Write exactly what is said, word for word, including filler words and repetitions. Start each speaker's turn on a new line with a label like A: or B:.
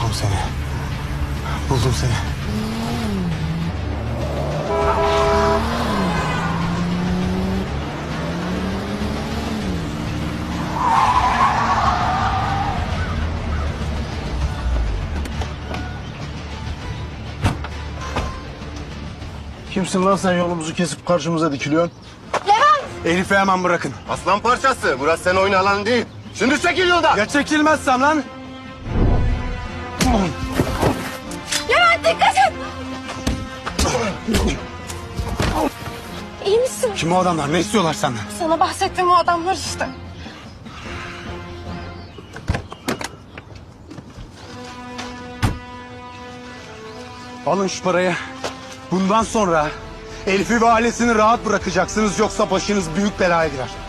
A: Buldum seni. Buldum seni.
B: Kimsin lan sen, yolumuzu kesip karşımıza dikiliyorsun?
A: Elif'i hemen bırakın.
C: Aslan parçası. Burası senin oyun alanın değil. Şimdi çekil yoldan.
A: Ya çekilmezsem lan?
D: Levent dikkat et! İyi misin?
A: Kim o adamlar? Ne istiyorlar senden?
D: Sana bahsettiğim o adamlar işte.
A: Alın şu parayı. Bundan sonra Elif'i ve ailesini rahat bırakacaksınız, yoksa başınız büyük belaya girer.